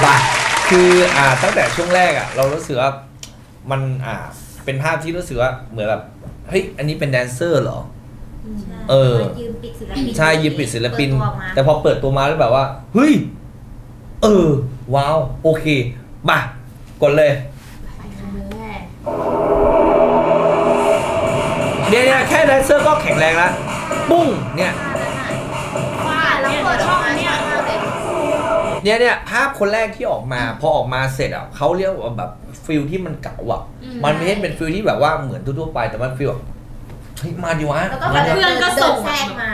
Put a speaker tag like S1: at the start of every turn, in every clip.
S1: ป่ะคือตั้งแต่ช่วงแรกเรารู้สึกว่ามันเป็นภาพที่รู้สึกว่าเหมือนแบบเฮ้ยอันนี้เป็นแดนเซอร์เหรอ
S2: ยืมปิดศิลปิน
S1: ใช่ยืมปิดศิลปินแต่พอเปิดตัวมาแล้วแบบว่าเฮ้ยว้าวโอเคมากดเลยเนี่ยแค่แดนเซอร์ก็แข็งแรงแล้วปุ้งเนี่ย
S2: แล้วเปิดช่อง
S1: เนี่ยภาพคนแรกที่ออกมาพอออกมาเสร็จเขาเรียกว่าแบบฟิลที่มันเก่ามันไม่ใช่เป็นฟิลที่แบบว่าเหมือนทั่วไปแต่มันฟิลแบบเฮ้ยมาดิวะ
S2: แล้วก็เพื่อนก็ส่งแทรกมา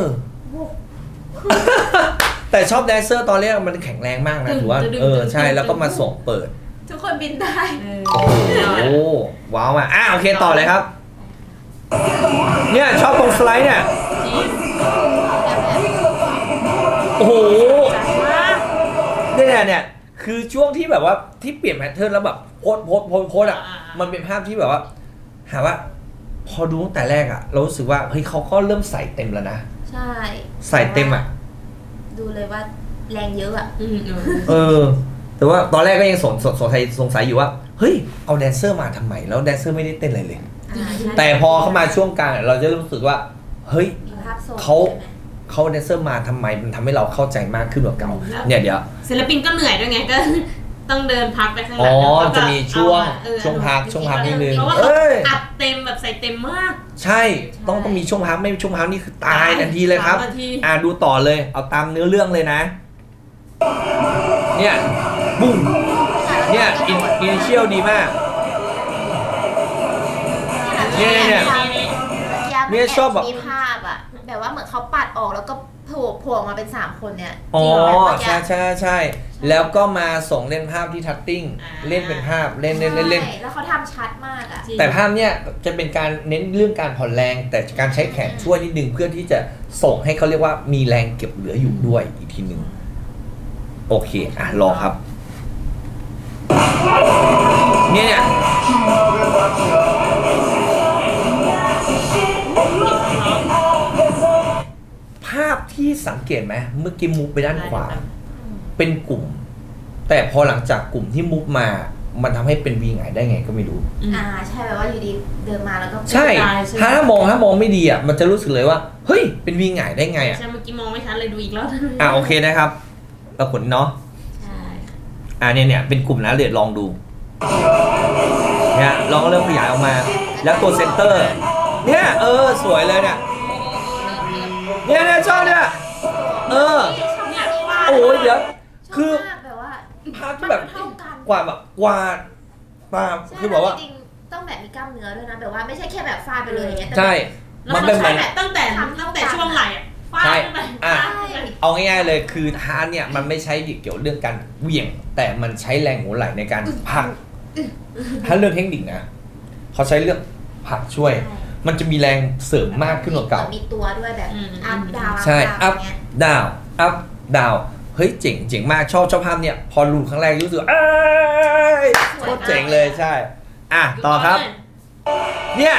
S1: แต่ชอบแดนเซอร์ตอนแรกมันแข็งแรงมากนะถือว่าใช่แล้วก็มาส่งเปิด
S2: ทุกคนบินได้
S1: โอ้ว้าวโอเคต่อเลยครับเนี่ยชอบตรงสไลด์เนี่ยโอ้โหเนี่ยคือช่วงที่แบบว่าที่เปลี่ยนแพทเทิร์นแล้วแบบโพสมันเป็นภาพที่แบบว่าหาว่าพอดูตั้งแต่แรกเรารู้สึกว่าเฮ้ยเขาก็เริ่มใส่เต็มแล้วนะ
S2: ใช่
S1: ใส่เต็ม
S2: ดูเลยว่าแรงเยอะ
S1: แต่ว่าตอนแรกก็ยังสงสัยอยู่ว่าเฮ้ยเอาแดนเซอร์มาทำไมแล้วแดนเซอร์ไม่ได้เต้นอะไรเลยแต่พอเข้ามาช่วงกลางเราจะรู้สึกว่าเฮ้ยเขาแดนเซอร์มาทำไมมันทำให้เราเข้าใจมากขึ้นกว่าเก่าเนี่ยเดี๋ยว
S3: ศิลปินก็เหนื่อยด้วยไงก็ต้องเดินพักไปข้างหลัง
S1: จะมีช่วงพักนิดนึง
S3: เพราะว่าอัดเต็มแบบใส่เต็มมาก
S1: ใช่ต้องมีช่วงพักไม่มีช่วงพักนี่คือตายทันทีเลยครับดูต่อเลยเอาตามเนื้อเรื่องเลยนะเนี่ยบุ้งเนี่ยอินิเชียลดีมากเนี่ยชอบแบบ
S2: มีภาพแบบว่าเหมือนเขาปัดออกแล้วก็โผล่มาเป็น3คนเนี่ย
S1: ใช่แล้วก็มาส่งเล่นภาพที่ทัตติ้งเล่นเป็นภาพเล่น
S2: แล้วเขาทำชัดมาก
S1: แต่ภาพเนี่ยจะเป็นการเน้นเรื่องการผ่อนแรงแต่การใช้แขนช่วยนิดนึงเพื่อที่จะส่งให้เขาเรียกว่ามีแรงเก็บเหลืออยู่ด้วยอีกทีนึงโอเครอครับเนี่ยภาพที่สังเกตไหมเมื่อกี้มูฟไปด้านขวาเป็นกลุ่มแต่พอหลังจากกลุ่มที่มูฟมามันทำให้เป็นวีไงได้ไงก็ไม่รู้
S2: ใช่แบบว่าอยู่ดีเดินมาแล้วก็
S1: ใช่ถ้ามองไม่ดีมันจะรู้สึกเลยว่าเฮ้ยเป็นวีไงได้ไง
S3: ใช่เมื่อกี้มองไม่ชัดเลยดูอีกร
S1: อบโอเคนะครับปรากฏเนาะเนี่ยเป็นกลุ่มนะเดี๋ยวลองดูเนี่ยลองเริ่มขยายออกมาแล้วตัวเซนเตอร์เนี่ยสวยเลยเนี่ยชอบเนี่ยโอ้ยเดี๋ยวคือภาพที่แบบกว่าคือแบบว่า
S2: ต้องแบบมีกล้ามเนื้อด้วยนะแบบว่าไม่ใช่แค่แบบฟาดไปเลยอย่างเงี้ย
S1: ใช่
S3: มันเป็นแบบตั้งแต่ช่วงไหล่ฟาด
S1: เอาง่ายๆเลยคือฮาร์ดเนี่ยมันไม่ใช้เกี่ยวเรื่องการเหวี่ยงแต่มันใช้แรงหัวไหล่ในการผลักถ้าเรื่องเทคนิคนะเขาใช้เรื่องผลักช่วยมันจะมีแรงเสริมมากขึ้นกว่าเก่า
S2: มีตัวด้วยแบบอัพดาว
S1: ใช่อัพดาวเฮ้ยเจ๋งมากชอบภาพเนี่ยพอรู้ครั้งแรกรู้สึกโคตรเจ๋งเลยใช่ต่อครับเนี่ย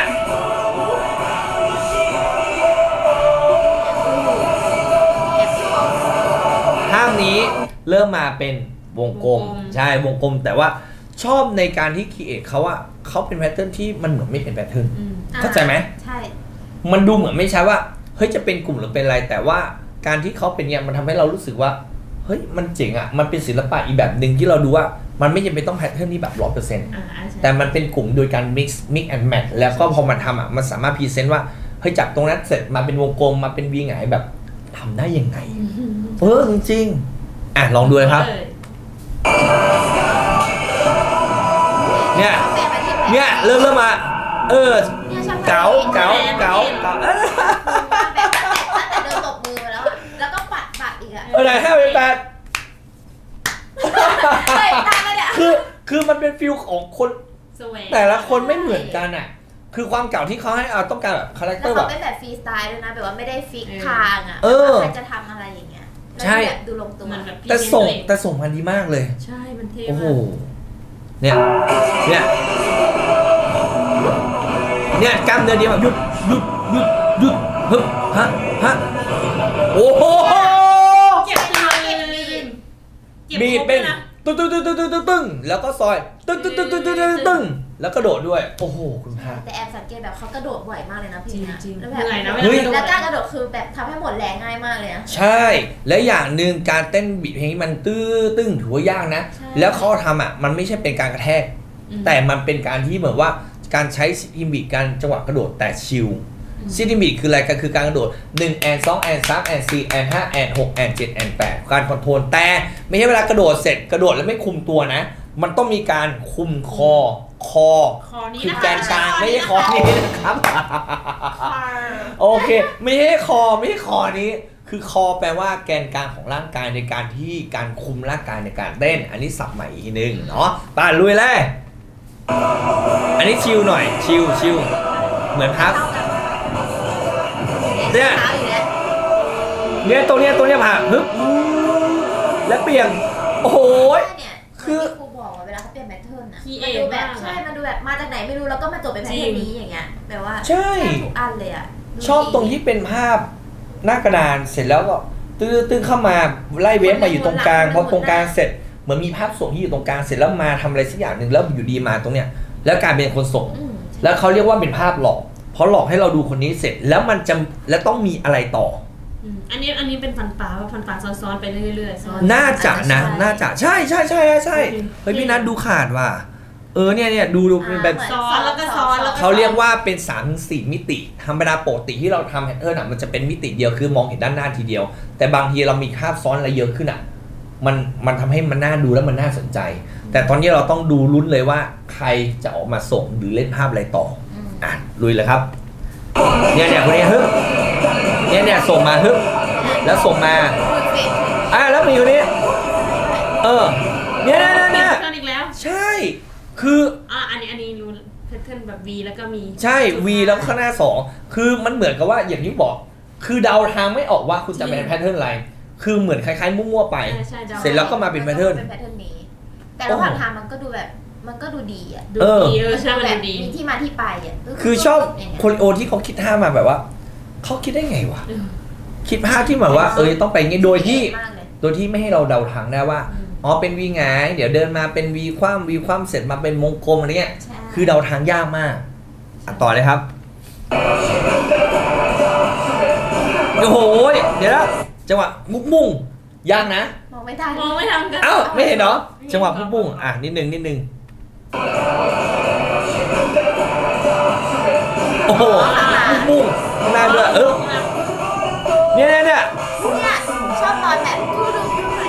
S1: ภาพนี้เริ่มมาเป็นวงกลมใช่วงกลมแต่ว่าชอบในการที่คิดเขาเป็นแพทเทิร์นที่มันเหมือนไม่เป็นแพทเทิร์นเข้าใจไหม
S2: ใช่
S1: มันดูเหมือนไม่ใช่ว่าเฮ้ยจะเป็นกลุ่มหรือเป็นอะไรแต่ว่าการที่เขาเป็นเนี่ยมันทำให้เรารู้สึกว่าเฮ้ยมันเจ๋งมันเป็นศิลปะอีกแบบหนึ่งที่เราดูว่ามันไม่จำเป็นต้องแพทเทิร์นที่แบบ 100% แต่มันเป็นกลุ่มโดยการ mix and match แล้วก็พอมันทำมันสามารถพรีเซนต์ว่าเฮ้ยจากตรงนั้นเสร็จมาเป็นวงกลมมาเป็นวีไงแบบทำได้ยังไงจริงลองดูเลยครับเนี่ยเริ่มมาเก๋า
S2: แต่เดินตบมือมาแล้วก็ปัดอีก
S1: ไหน5 8คือมันเป็นฟิลของคนแต่ละคนไม่เหมือนกันคือความเก่าที่เขาให้ต้องการแบบคาแรคเตอร์แบบ
S2: เป็นแบบฟรีสไตล์ด้วยนะแบบว่าไม่ได้ฟิกทางใครจะทำอะไรอย่างเงี้ย
S1: ใช่
S2: ดูลงตัว
S1: แต่ส่งมันดีมากเลย
S3: ใช่มันเท่
S1: โอ้โหเนี่ยกล้ามเนื้อดีมากหยุดฮะโอ้โหบีดเป็นตึ้งตึ้งตึ้งตึ้งตึ้งตึ้งตึ้งแล้วก็ซอยตึ้งตึ้งตึ้งตึ้งตึ้งตึ้งตึ้งแล้วกระโดดด้วยโอ้โหคุณพระ
S2: แต่แอบสังเกตแบบเขากระโดดบ่อยมากเลยนะพี่นะ
S3: จริงๆ
S2: แล้ว
S3: เห
S2: แบบ
S3: นื่อยนะ
S1: เฮ้ย
S2: แล้วการกระโดดคือแบบทำให้หมดแรงง่ายมากเลยนะ
S1: ใช่ และอย่างหนึ่งการเต้นบีทเพลงนี้มันตื้อตึ้งถือว่ายากนะ
S2: ใช่
S1: แล้วเขาทำอ่ะมันไม่ใช่เป็นการกระแทก แต่มันเป็นการที่เหมือนว่าการใช้ซิมบิการจังหวะกระโดดแต่ชิลซิมบิคืออะไรก็คือการกระโดด1แอน2แอน3แอน4แอน5แอน6แอน7แอน8การคอนโทรลแต่ไม่ใช่เวลากระโดดเสร็จกระโดดแล้วไม่คุมตัวนะ มันต้องมีการคุมคอ
S3: คอนี้
S1: คือ
S3: นะคะ
S1: แกนกลางไม่ใช่คอนี้นะครับ
S3: คอ
S1: โอเคไม่ใช่คอไม่ใช่คอนี้ คือคอแปลว่าแกนกลางของร่างกายในการที่การคุมร่างกายในการเต้น อันนี้สับใหม่อีกทีนึงเนาะป่าลุยเลยอันนี้ชิลหน่อยชิลเหมือนพัก เนี่ย
S2: เท้าอยู่แล้ว
S1: เนี่ยตรงเนี้ยผ่าฮึบและเปลี่ยนโอ้โห
S2: เนี่ย
S1: คือ
S2: ที่ครูบอกว่าเวลาเขาเปลี่ยนแพทเทิร์นอะ
S3: คีเอ
S2: มันดูแบบ
S3: มาก
S2: ใช่มันดูแบบมาจากไหนไม่รู้แล้วก็มาจบเป็นแพทเทิร์นนี้อย่างเงี้ยแบบว่า
S1: ใช่
S2: แทบทุกอันเลยอะดู
S1: ชอบตรงที่เป็นภาพหน้ากระดานเสร็จแล้วก็ตื้อเข้ามาไล่เวฟมาอยู่ตรงกลางพอตรงกลางเสร็จเหมือนมีภาพส่งที่อยู่ตรงกลางเสร็จแล้วมาทำอะไรสักอย่างหนึ่งแล้วอยู่ดีมาตรงเนี้ยแล้วกลายเป็นคนส่ง
S2: อืม
S1: แล้วเขาเรียกว่าเป็นภาพหลอกเพราะหลอกให้เราดูคนนี้เสร็จแล้วมันจะแล้วต้องมีอะไรต่อ
S3: อันนี้เป็นฟันปลาซ้อนๆไปเรื่อยๆซ้อน
S1: น่าจะนะน่าจะใช่เฮ้ยพี่นัทดูขาดว่ะเนี่ยดูเป็นแบบ
S3: ซ้อนแล้วก็ซ้อนแล้วก็
S1: เขาเรียกว่าเป็น3-4มิติธรรมดาปกติที่เราทำแพทเทิร์นอ่ะมันจะเป็นมิติเดียวคือมองเห็นด้านหน้าทีเดียว แต่บางทีเรามีภาพซ้อนอะไรเยอะขึ้นอ่ะมันทำให้มันน่าดูแล้วมันน่าสนใจ แต่ตอนนี้เราต้องดูลุ้นเลยว่าใครจะออกมาส่งหรือเล่นภาพอะไรต่ออ่ะลุยเลยครับเนี่ยคนนี้ฮึบเนี่ยส่งมาฮึบแล้วส่งมา
S2: ฝึกเฟส
S1: แล้วมีคนนี้เนี่ย
S3: เพื่อนอีกแล้ว
S1: ใช่คือ
S3: อันนี้รู้แพทเทิร์นแบบ V แล้วก็มี
S1: ใช่ V แล้วข้างหน้า2คือมันเหมือนกับว่าอย่างที่บอกคือเดาทางไม่ออกว่าคุณจะเป็นแพทเทิร์นอะไรคือเหมือนคล้ายๆมั่วๆไป
S3: ใช่
S1: เสร็จแล้วก็มาเป็นแพทเทิร์น
S2: เป็นแพทเทิร์นนี้ แต่ระหว่างทางมันก็ดูแบบมันก็ดูดีอ่ะ
S3: ดูดีใช่มัน
S2: แบ
S3: ดู
S2: บ
S3: ดี
S2: มีที่มาที่ไปอ่ะ
S1: คือชอบ
S2: ย่างเงี้ย
S1: โคลิโอที่เขาคิดท่ามาแบบว่าเขาคิดได้ไงวะคิดภาพที่แบบว่าต้องไปงี้โดยที่ไม่ให้เราเดาทางได้ว่าเป็นวีไงเดี๋ยวเดินมาเป็นวีคว่ำเสร็จมาเป็นวงกลมอะไรเงี้ย
S2: ใช่
S1: คือเดาทางยากมากต่อเลยครับโอ้โหเดี๋ยวนะจังหวะมุ่งยากนะ
S2: มองไม่ได้
S3: มองไม่ทำกัน
S1: ไม่เห็นเหรอจังหวะมุ่งนิดนึงโอ้โหมุ่งข้างหน้าด้วยเนี่ย
S2: เนี่ยชอบตอนแบบดูไหน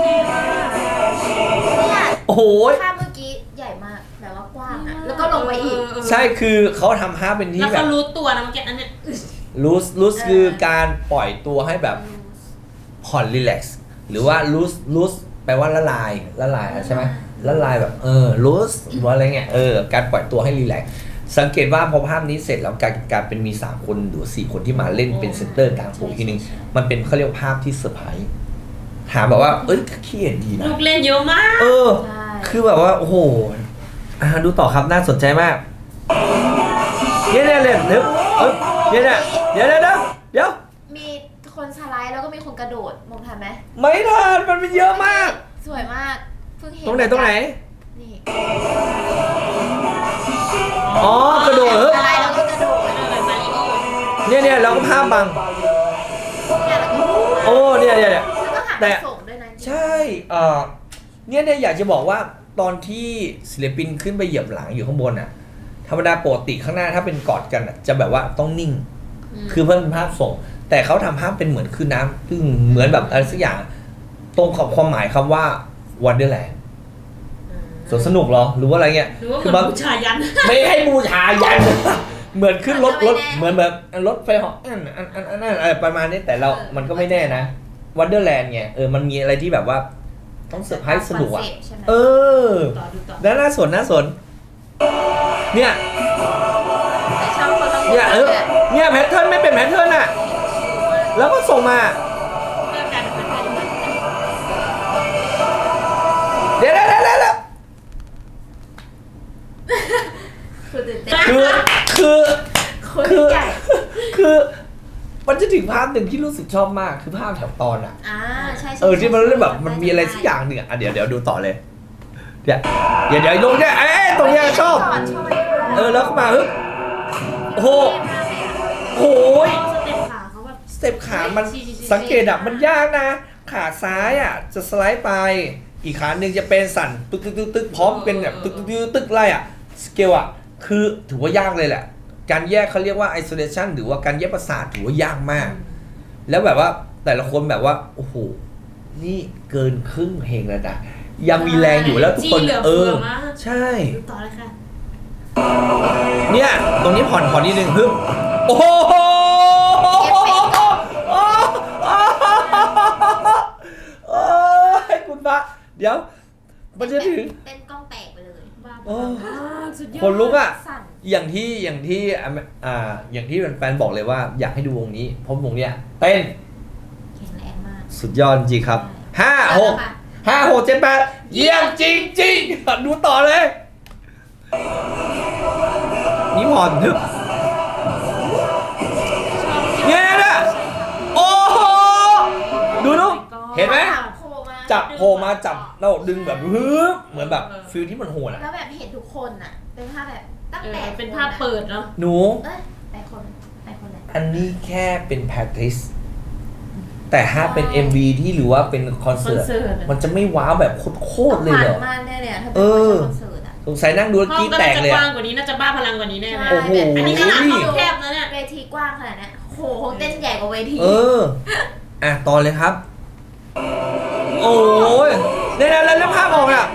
S2: เนี่ย
S1: โอ้โห
S2: ภาพเมื่อกี้ใหญ่มากแบบว่ากว้างอ่ะแล้วก็ลงไปอีก
S1: ใช่คือเขาทำภาพเป็นที่
S3: แล้ว
S1: แบ
S3: เขา
S1: บ
S3: รู้ตัวนะเมื่อกี้อันเนี้ย
S1: loose คือการปล่อยตัวให้แบบผ่อนรีแลกซ์หรือว่า loose แปลว่าละลายใช่ไหมละลายแบบloose หรือว่าอะไรเงี้ยการปล่อยตัวให้รีแลกซ์สังเกตว่าพอภาพนี้เสร็จแล้วการเป็นมี3คนหรือ4คนที่มาเล่นเป็นเซนเตอร์กลางโผล่ทีนึงมันเป็นเขาเรียกภาพที่เซอร์ไพรส์ถามแบบว่าขี้เห็นดีนะ
S3: ลูกเล่นเยอะมาก
S2: ใช่
S1: คือแบบว่าโอ้โหดูต่อครับน่าสนใจมากเนี่ยเล่นเดี๋ยว
S2: มีคนสไลด์แล้วก็มีคนกระโดดมองทันไหม
S1: ไม่ทันมันเป็นเยอะมาก
S2: สวยมากเพิ่งเห็น
S1: ตรงไหน
S2: นี่
S1: กระโดด
S2: สไลด์แล้วก็กระโดด
S3: มาริโอ
S1: เนี่ยแล้วก็ภาพบัง
S2: เนี่ยแล้วก็
S1: เนี่ย
S2: แล้วก็หัน
S1: แต่
S2: มาส่งด้วยนะ
S1: ใช่เนี่ยอยากจะบอกว่าตอนที่ศิลปินขึ้นไปเหยียบหลังอยู่ข้างบนอ่ะธรรมดาปกติข้างหน้าถ้าเป็นกอดกันจะแบบว่าต้องนิ่ง คือเพิ่มเป็นภาพส่ง แต่เขาทำภาพเป็นเหมือนคือน้ำซึ่งเหมือนแบบอะไรสักอย่างตรงกับความหมายคำว่า Wonderland สวนสนุกเหรอหรือว่าอะไรเงี้ย
S3: หรือว่าเหมือนบูชายัน
S1: ไม่ให้บูชายัน เหมือนขึ้นรถเหมือนแบบรถไฟเหาะอะไรประมาณนี้แต่มันก็ไม่แน่นะ Wonderland ไงมันมีอะไรที่แบบว่าต้องเซอร์ไพรส์สนุกอ่ะ
S3: ต่อดูต่อ
S1: แล้วน่าสนเนี่ย
S2: แต่ชอบคนละ
S1: เนี่ยแพทเทิร์นไม่เป็นแพทเทิร์นอ่ะแล้วก็ส่งมา
S3: เพื่อการเป็นแพทเทิร์น
S1: เดี๋ยว
S2: คือตื่นเต้น
S1: คือ
S2: คนใหญ่
S1: คือมันจะถึงภาพหนึ่งที่รู้สึกชอบมากคือภาพแถวตอนอ่ะ
S2: ใช่
S1: ที่มันเรื่องแบบมันมีอะไรสักอย่างหนึ่งอ่ะเดี๋ยวดูต่อเลยเดี๋ยวลงเนี่ยตรงเนี้ยชอบแล้วเข้ามาโอ้โหโอ้ย
S3: สเต็ปขาเขาแบบ
S1: สเต็ปขามันสังเกตอ่ะมันยากนะขาซ้ายอ่ะจะสไลด์ไปอีกขาหนึ่งจะเป็นสั่นตึกพร้อมเป็นแบบตึกไล่อ่ะสเกลอ่ะคือถือว่ายากเลยแหละการแยกเขาเรียกว่า isolation หรือว่าการแยกประสาทถือว่ายากมากแล้วแบบว่าแต่ละคนแบบว่าโอ้โหนี่เกินครึ่งเพลงแล้วนะยังมีแรงอยู่แล้วทุกคนใช่
S3: ดูต่อเลยค่ะ
S1: เนี่ยตรงนี้ผ่อนนิดนึงโอ้โหคุณพระเดี๋ยวมันจะถึง
S2: เต้นกล้องแตกไปเลย
S3: สุดยอด
S1: คนลุกอ่ะ
S2: สั่น
S1: อย่างที่แฟนๆบอกเลยว่าอยากให้ดูวงนี้เพราะวงเนี้ยเต้น
S2: แข็งแรงมาก
S1: สุดยอดจริงครับ5 6 7 8เยี่ยมจริงๆดูต่อเลยนี่ผ่อนเนี่ยนะโอ้โหดูเห็นไหมจับโผล่มาจับแล้วดึงแบบเหมือนแบบฟิลที่มันโหดอ่ะ
S2: แล้วแบบเห็นทุกคนอ่ะเป็นภาพแบบตั้งแต่
S3: เป็นภาพเปิดเนาะ
S1: หนู
S2: แต่คนแหละ
S1: อันนี้แค่เป็น practice แต่ถ้าเป็น MV ที่หรือว่าเป็นคอนเสิร์ตมันจะไม่ว้าวแบบโคตรเลยเหรอ
S2: มากแน่เลยถ้าเป็นคอนเสิร์ตอ่ะ
S1: สงสัยนั่งดูแล้วกรี๊ดแตกเลย
S3: ห้องก็น่าจะกว้างกว่านี้น่าจะบ้าพลังกว่านี้แน่เลย
S1: โอ้โห
S3: อันนี้ขนาดห้องแคบนะเนี่ย
S2: เวทีกว้างขนาดนี้โหคงเต้นใหญ่กว่าเวที
S1: ต่อเลยครับโอ้ยเนี่ยแล้วภาพออกอ่ะ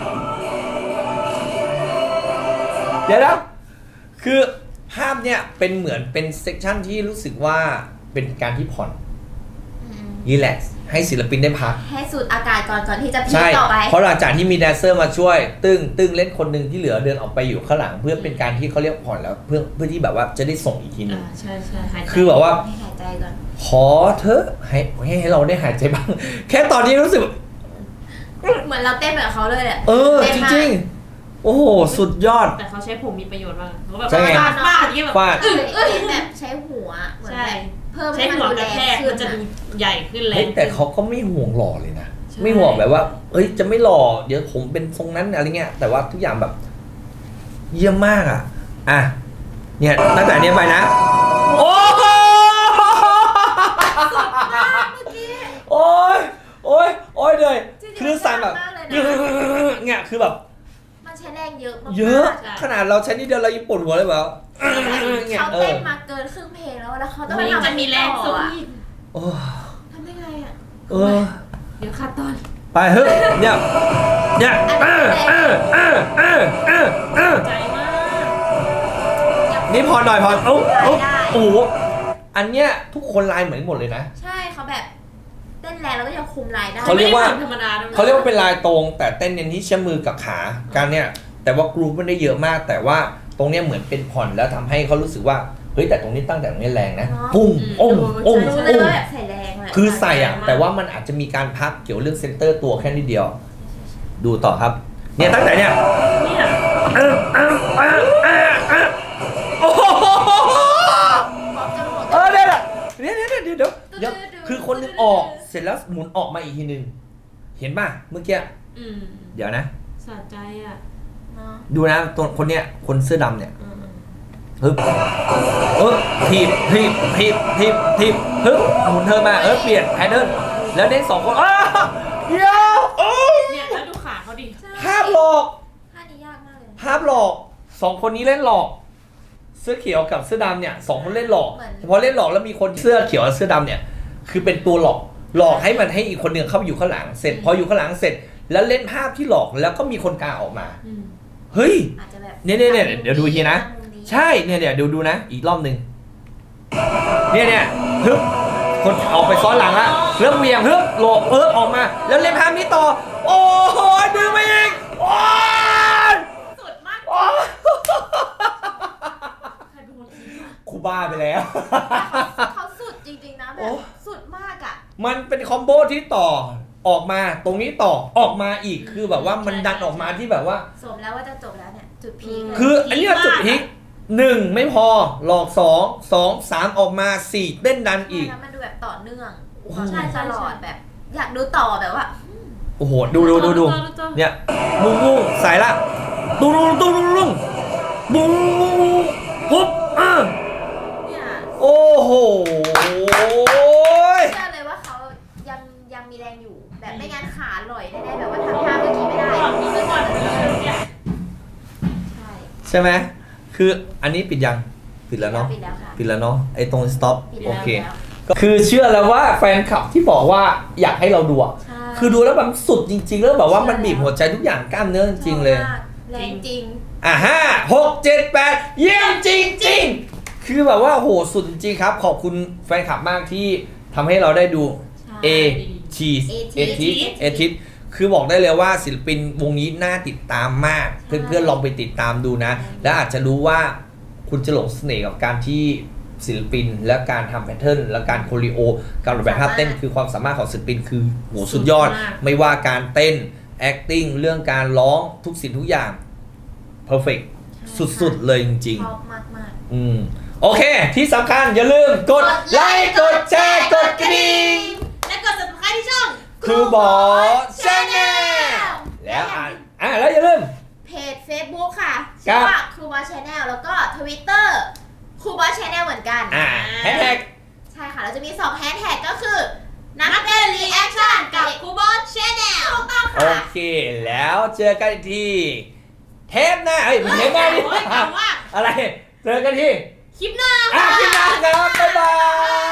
S1: เดี๋ยวนะคือภาพเนี่ยเป็นเหมือนเป็นเซกชันที่รู้สึกว่าเป็นการที่ผ่อนรีแลกซ์ให้ศิลปินได้พัก
S2: ให้สูดอากาศก่อนที่จะพี
S1: ใช่
S2: ต่อไป
S1: เพราะหลังจากที่มีแดนเซอร์มาช่วยตึ้งเล่นคนหนึ่งที่เหลือเดินออกไปอยู่ข้างหลังเพื่อเป็นการที่เขาเรียกผ่อนแล้วเพื่อที่แบบว่าจะได้ส่งอีกทีนึง
S3: ใช่หายใจ
S1: คือแบบว่า
S2: ให้หายใจก่อน
S1: ขอเถอะให้เราได้หายใจบ้าง แค่ตอนนี้รู้สึก
S2: เหมือนเราเต้นแบบเขาเลยแหละ
S1: จริงๆโอ้โหสุดยอด
S3: แต่เขาใช้ผมมีประโยชน์มากเขาแบบ
S1: ใช่ไง
S3: ฟาดอย่างเงี้ยแบบ
S1: ฟาด
S2: เต้นแบบใช้หัวเหมือนแบบเพิ่ม
S3: ใช้
S2: ให้มัน
S3: หัว
S2: ดู
S3: ก
S2: แร
S3: ระ
S2: ง
S3: แทก
S2: ขึ้
S3: มัน นจะดูใหญ่ขึ้นแร
S1: เฮ้ย
S3: ง
S1: แต่เขาก็ไม่ห่วงหล่อเลยนะ
S3: ใช่
S1: ไม่ห่วงแบบว่า เอ้ยจะไม่หล่อเดี๋ยวผมเป็นทรงนั้นอะไรเงี้ยแต่ว่าทุกอย่างแบบ เยี่ยมมากอ่ะเนี่ยตั้งแต่เนี้ยไปนะโอ้ยเลยคือสั่นแบบเนี่ยคือแบบ
S2: มันใช้แรงเยอะมาก
S1: เยอะขนาดเราใช้นิดเดียวเรายังปวดหัวเลยแบบ
S2: เขาเต้นมาเกินครึ่งเพลงแล้วเขาต้อง
S3: มันจะมีแรงสูง
S1: โอ้
S2: ทำได้ไงอ่ะ
S3: เดี๋ยวขาดตอน
S1: ไปเฮ้ยเนี่ย
S3: ใจมาก
S1: นี่พอหน่อยโอ้โหอันเนี้ยทุกคนลายเหมือนหมดเลยนะ
S2: ใช่เขาแบบเต้นแรงแล้วก็ยังคุมลายได้
S1: เขาเรียกว่า
S3: ธรรมดาด้วย
S1: เขาเรียกว่าเป็นลายตรงแต่เต้นเน้นที่เชื่อมมือกับขาการเนี่ยแต่ว่ากรูปไม่ได้เยอะมาก แต่ว่าตรงเนี้ยเหมือนเป็นผ่อนแล้วทำให้เขารู้สึกว่าเฮ้ยแต่ตรงนี้ตั้งแต่ตรงนี้แรงนะปุ้ง
S2: รู้เลยว่าแบบใส่แรงเลย
S1: คือใส่แต่ว่ามันอาจจะมีการพักเกี่ยวเรื่องเซนเตอร์ตัวแค่นิดเดียว ดูต่อครับเนี่ยตั้งแต่เนี่ยโอ้โหเดี๋ยวคือคนนึงออกเสร็จแล้วหมุนออกมาอีกทีนึงเห็นป่ะเมื่อกี้เดี๋ยวนะ
S3: สะใจอ่ะ
S1: ดูนะตัวคนเนี้ยคนเสื้อดำเนี่ยฮึบทีบฮึบหมุนเธอมาเปลี่ยนแพทเทิร์นแล้วเน้น2 คนเดี๋ยว
S3: เนี่ยแล้วดูขาเขาดิ
S1: ภาพหลอก
S2: ท่านี้ยากมากเลย
S1: ภาพหลอก2 คนนี้เล่นหลอกเสื้อเขียวกับเสื้อดำเนี่ย2 คนเล่นหลอกพอเล่นหลอกแล้วมีคนเสื้อเขียวกับเสื้อดำเนี่ยคือเป็นตัวหลอกให้มันให้อีกคนหนึ่งเข้าไปอยู่ข้างหลังเสร็จพออยู่ข้างหลังเสร็จแล้วเล่นภาพที่หลอกแล้วก็มีคนกลางออกมาเฮ้ยเนี่ยเดี๋ยวดูทีนะใช่เนี่ยเดี๋ยวดูนะอีกรอบนึงเนี่ยฮึบคนออกไปซ้อนหลังละเริ่มเวียงฮึบหลอกออกมาแล้วเล่นภาพนี้ต่อโอ้โหดึงไปอีกโอ้ย
S2: สุดมาก
S1: ครูบ้าไปแล้ว
S2: เขาสุดจริงๆนะแบบสุดมากอ่ะ
S1: มันเป็นคอมโบที่ต่อออกมาตรงนี้ต่อออกมาอีกคือแบบว่ามันดันออกมาที่แบบว่า
S2: สมแล้วว่าจะจบแล้วเนี่ยจุดพีค
S1: คืออันนี้จุดพีค 1ไม่พอหลอก2 2 3ออกมา4เต้นดันอีก
S2: แล้วมันดูแบบต่อเนื่อง
S1: โอ้โห
S2: ใช่ตลอดแบบ อยากดูต่อแบบว่า
S1: โอ้โหดูเนี่ยบุ้งบุ้งสายละตุ้งตุ้งตุ้งตุ้งบุ้งปุ๊บ
S2: เนี่ย
S1: โอ้โห
S2: เชื่อเลยว่าเขายังมีแรงอยู่ แบบไม่งั้นขาลอยแน่ๆแบบว่าทำท่าเมื่อกี้ไม่ได้
S3: ก่อนมีก่อนเนี่ย
S2: ใช่
S1: ใช่ไหมคืออันนี้ปิดยังปิดแล้วเนาะ
S2: ปิดแล้วค่ะ
S1: ปิดแล้วเนาะไอ้ตรง stop
S2: ปิด
S1: โอ
S2: แล้ว
S1: เค
S2: แล้ว
S1: ก็คือเชื่อแล้วว่าแฟนคลับที่บอกว่าอยากให้เราดูอะ
S2: ใช่
S1: คือดูแล้วมันสุดจริงๆแล้วแบบว่ามันบีบหัวใจทุกอย่างกล้ามเนื้อจริงๆเลย
S2: ชอบมากแรงจริง
S1: 5 6 7 8เยี่ยมจริงๆ คือแบบว่าโหสุดจริงๆครับ ขอบคุณแฟนคลับมากที่ทำให้เราได้ดู
S2: ใช่
S1: Cheese
S2: เอทิส
S1: เอทิสคือบอกได้เลยว่าศิลปินวงนี้น่าติดตามมาก
S2: ใช่
S1: เพื่อนๆลองไปติดตามดูนะ แล้วอาจจะรู้ว่าคุณจะหลงเสน่ห์กับการที่ศิลปินและการทำแพทเทิร์นและการโคริโอการออกแบบท่าเต้นคือความสามารถของศิลปินคือโหสุดยอด ไม่ว่าการเต้น acting เรื่องการร้องทุกสิ่งทุกอย่าง perfect สุดๆเลยจริง
S2: ชอบมาก
S1: โอเค ที่สำคัญอย่าลืมกดไลค์กดแชร์กดกระดิ่ง
S3: และกด subscribe ที่ช่อง
S1: ครูบอชแนลแล้วแล้วอย่าลืม
S2: เพจ Facebook ค่ะ
S1: ครั
S2: ชื่
S1: บ
S2: อว่าครูบอสชาแนลแล้วก็ Twitter ครูบอสชาแนลเหมือนกัน
S1: แฮชแท็ก
S2: ใช่ค่ะ เราจะมี2แฮชแท็กก็คือ นักเต้นรีแอคชั่นกับครูบอสชาแนลถูกต้อง
S1: โอ
S2: ค่ะ
S1: เค แล้วเจอกันอีกทีเทปหน้าไม่เทปหน้าดิ
S3: โอ้ยถามว่า
S1: อะไร เจอกันที่
S3: คลิปหน้า
S1: คลิปหน้าครับ บ๊ายบาย